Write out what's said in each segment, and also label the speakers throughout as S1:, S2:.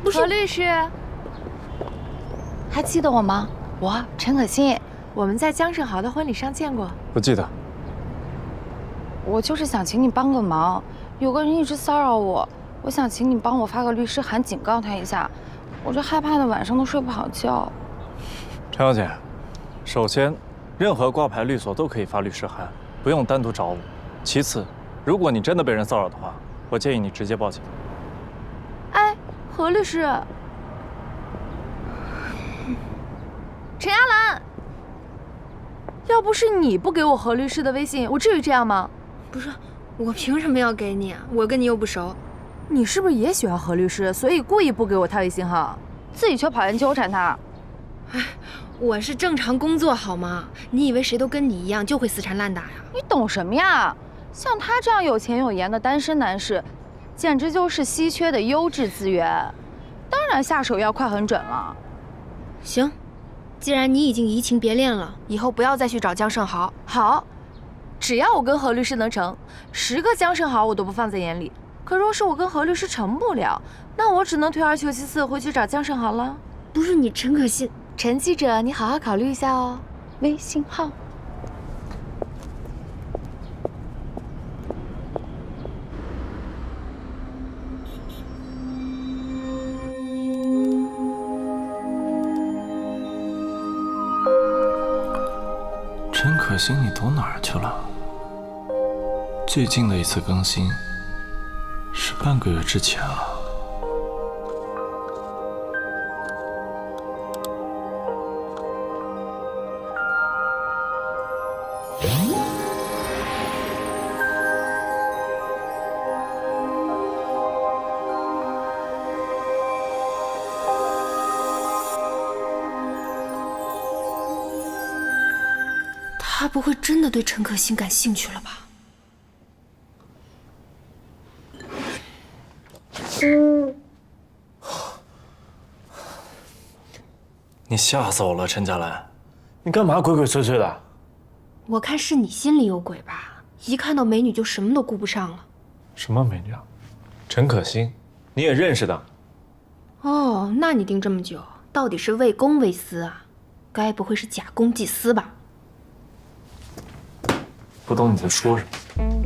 S1: 何律师，还记得我吗？我陈可辛，我们在江胜豪的婚礼上见过。
S2: 不记得。
S1: 我就是想请你帮个忙，有个人一直骚扰我，我想请你帮我发个律师函警告他一下，我这害怕的晚上都睡不好觉。
S2: 陈小姐，首先，任何挂牌律所都可以发律师函，不用单独找我。其次，如果你真的被人骚扰的话，我建议你直接报警。
S1: 哎，何律师，陈亚兰，要不是你不给我何律师的微信，我至于这样吗？
S3: 不是，我凭什么要给你啊？我跟你又不熟。
S1: 你是不是也喜欢何律师，所以故意不给我他微信号，自己却跑人纠缠他？
S3: 哎，我是正常工作好吗？你以为谁都跟你一样就会死缠烂打呀？
S1: 你懂什么呀？像他这样有钱有颜的单身男士，简直就是稀缺的优质资源，当然下手要快很准了。
S3: 行，既然你已经移情别恋了，以后不要再去找江胜豪。
S1: 好，只要我跟何律师能成，10个江胜豪我都不放在眼里。可若是我跟何律师成不了，那我只能退而求其次，回去找江胜豪了。
S3: 不是你陈可辛，
S1: 陈记者，你好好考虑一下哦。微信号。
S4: 陈可辛，你躲哪儿去了？最近的一次更新是半个月之前了。
S3: 他不会真的对陈可辛感兴趣了吧？
S2: 你吓死我了，陈佳兰，你干嘛鬼鬼祟祟的？
S3: 我看是你心里有鬼吧？一看到美女就什么都顾不上了。
S2: 什么美女啊？陈可辛，你也认识的？
S3: 哦，那你盯这么久，到底是为公为私啊？该不会是假公济私吧？
S2: 不懂你在说什么。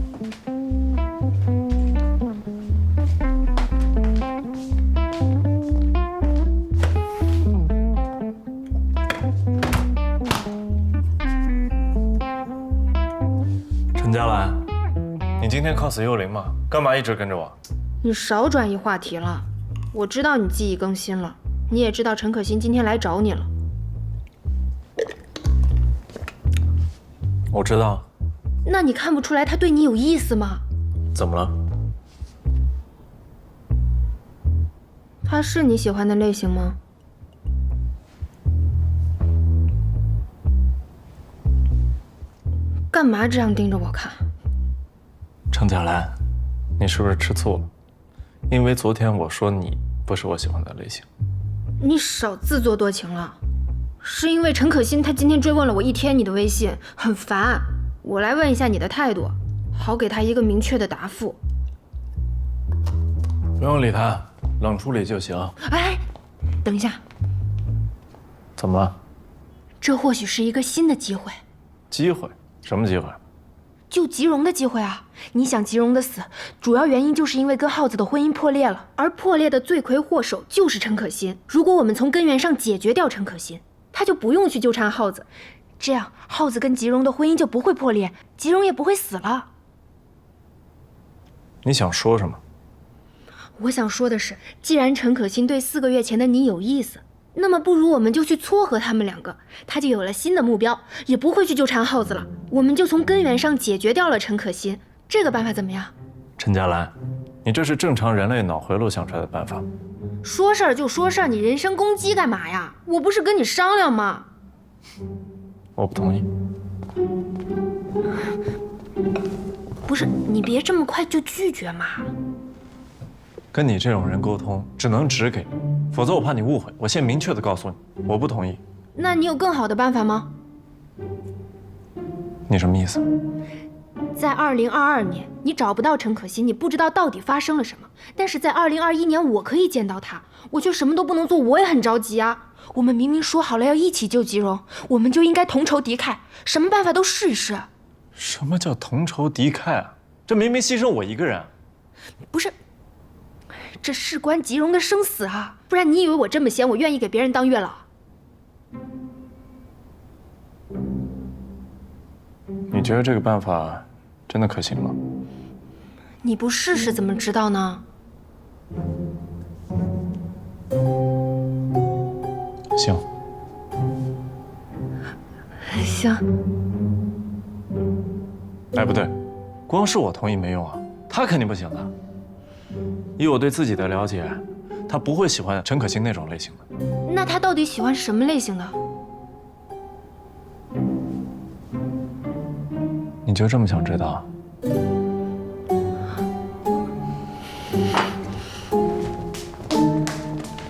S2: 陈佳兰，你今天 cos 幽灵吗？干嘛一直跟着我？
S3: 你少转移话题了。我知道你记忆更新了，你也知道陈可辛今天来找你了。
S2: 我知道。
S3: 那你看不出来他对你有意思吗？
S2: 怎么了？
S3: 他是你喜欢的类型吗？干嘛这样盯着我看？
S2: 程佳兰，你是不是吃醋了？因为昨天我说你不是我喜欢的类型。
S3: 你少自作多情了。是因为陈可辛他今天追问了我一天你的微信，很烦。我来问一下你的态度，好给他一个明确的答复。
S2: 不用理他，冷处理就行。
S3: 哎，等一下，
S2: 怎么了？
S3: 这或许是一个新的机会。
S2: 机会？什么机会？
S3: 救吉荣的机会啊！你想吉荣的死，主要原因就是因为跟浩子的婚姻破裂了，而破裂的罪魁祸首就是陈可辛。如果我们从根源上解决掉陈可辛，他就不用去纠缠浩子，这样浩子跟吉荣的婚姻就不会破裂，吉荣也不会死了。
S2: 你想说什么？
S3: 我想说的是，既然陈可辛对4个月前的你有意思，那么不如我们就去撮合他们2个，他就有了新的目标，也不会去纠缠浩子了。我们就从根源上解决掉了陈可辛，这个办法怎么样？
S2: 陈佳兰，你这是正常人类脑回路想出来的办法。
S3: 说事儿就说事儿，你人身攻击干嘛呀？我不是跟你商量吗？
S2: 我不同意。
S3: 不是，你别这么快就拒绝嘛。
S2: 跟你这种人沟通，只能只给，否则我怕你误会。我先明确的告诉你，我不同意。
S3: 那你有更好的办法吗？
S2: 你什么意思？
S3: 在2022年，你找不到陈可辛，你不知道到底发生了什么。但是在2021年，我可以见到他，我却什么都不能做，我也很着急啊。我们明明说好了要一起救吉荣，我们就应该同仇敌忾，什么办法都试一试。
S2: 什么叫同仇敌忾啊？这明明牺牲我一个人。
S3: 不是，这事关吉荣的生死啊！不然你以为我这么闲，我愿意给别人当月老？
S2: 你觉得这个办法真的可行吗？
S3: 你不试试怎么知道呢？
S2: 行。
S3: 行。
S2: 哎，不对，光是我同意没用啊，他肯定不行的。以我对自己的了解，他不会喜欢陈可辛那种类型的。
S3: 那他到底喜欢什么类型的？
S2: 你就这么想知道？